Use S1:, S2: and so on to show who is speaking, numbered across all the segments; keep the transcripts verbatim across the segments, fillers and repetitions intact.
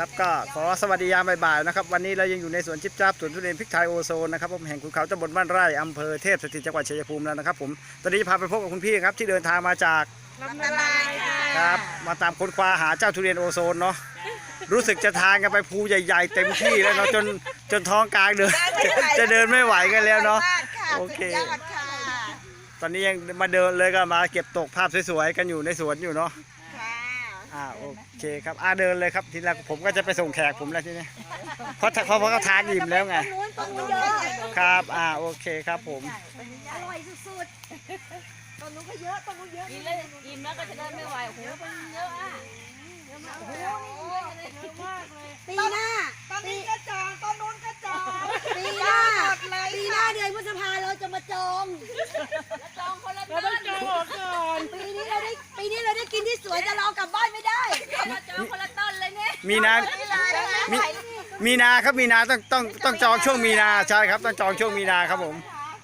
S1: ครับก็ขอสวัสดียามบ่ายๆนะครับวันนี้เรายังอยู่ในสวนชิปจับสวนทุเรียนพริกไทยโอโซนนะครับผมแห่งขุนเขาตำบลบ้านไร่อำเภอเทพสถิตจังหวัดชัยภูมิแล้วนะครับผมตอนนี้จะพาไปพบกับคุณพี่ครับที่เดินทางมาจาก
S2: ลำนาลายค่ะ
S1: ครับมาตามค้นคว้าหาเจ้าทุเรียนโอโซนเนาะรู้สึกจะทานกันไปภูใหญ่ๆเต็มที่แล้วเนาะจนจนท้องกลางเดินจะเดินไม่ไหวกันแล้วเนาะโอเคตอนนี้ยังมาเดินเลยก็มาเก็บตกภาพสวยๆกันอยู่ในสวนอยู่เนาะอ่าโอเคครับอ่าเดินเลยครับทีแรกผมก็จะไปส่งแขกผมแล้วทีนี้เพราะเพราะเขาทานอิ่มแล้วไงครับอ่าโอเคครับผม
S2: อร่อยสุดๆต้นนู้นก็เยอะต้นนู้นเยอะ
S3: กินเลยอิ่มแล้วก็จะเดินไม่ไหวโอ้โหมันเยอะอ่ะเยอะมากโอ้โหนี่เยอะมากเลย
S2: ปีหน้า
S4: ตอนนี้ก็จองต้นนู้นก็จอง
S2: ปีหน้าปีหน้าเดือนพฤษภาเราจะมาจอง
S3: แล้วจองคนละ
S4: เรา
S3: ต้
S4: ต้อง
S3: น
S4: จองออกก่อน
S2: ปีนี้เราได้ปีนี้เราได้กินที่สวยแต่เรากลับบ้านไม่ได้
S3: มาจองคนละต้นเลยเนี่ย
S1: มีนามีมีนาครับมีนาต้องต้องต้องจองช่วงมีนาใช่ครับต้องจองช่วงมีนาครับผม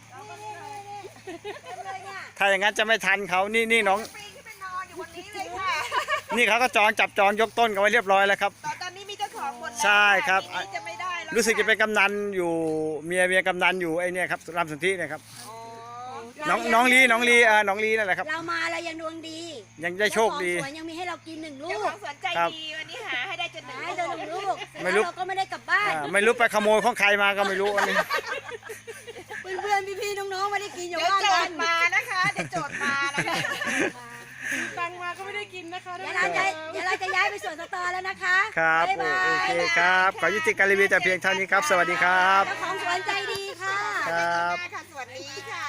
S1: ถ้าอย่างนั้นจะไม่ทันเขานี่นี่น้อง
S4: ปีนขึ้นไปนอนอยู่บนนี้เลยค่ะ
S1: นี่เขาก็จองจับจองยกต้นกันไว้เรียบร้อยแล้วครับ
S4: ตอนตอนนี้มีเจ้าของหมดแล้ว
S1: ใช่ครับ
S4: ปีนี้จะไม่ได้แล้ว
S1: รู้สึกจะเป็นกำนันอยู่เมียเมียกำนันอยู่ไอ้เนี่ยครับรำสนธิเนี่ยครับ
S4: อ๋อ
S1: น้องน้องลีน้องลีอ่าน้องลีนั่นแหละครับ
S2: เรามาเรายังดวงดี
S1: ยังได้โชคดี
S2: เจ้าของสวนยังมีให้เรากินหนึ่งลู
S4: เจ้าก ของสวนใจ
S1: ครับ
S4: ดีวันนี้หาให้ได้จนหนึ่ง
S2: ให้เดินหนึ่งลูก
S1: ไม่รู้
S2: แล้วเราก็ไม่ได้กลับบ้าน
S1: อ่าไม่รู้ไปขโมยของใครมาก็ไม่รู้อันนี้
S2: เพื่อนๆพี่ๆน้องๆไม่ได้กินอยู่
S4: เดี๋ยว
S2: บ้าน
S4: โจ
S2: กั
S4: ท
S2: น
S4: ย์มานะคะเดี๋ยวโจทย์มานะคะ
S5: ตังมาก็ไม่ได้กินนะคะ
S2: เดี๋ยวเราจะเดี๋ยวเราจะย้ายไปสวนสตอแล้วนะคะ
S1: ครับ
S2: บ๊ายบาย
S1: โอเคครับขอยุติการรีวิวแต่เพียงเท่านี้ครับ สวัสดีครับ
S2: เจ้าของสวนใจดีค่ะ
S1: ครับ
S4: ค่ะสวัสดีค่ะ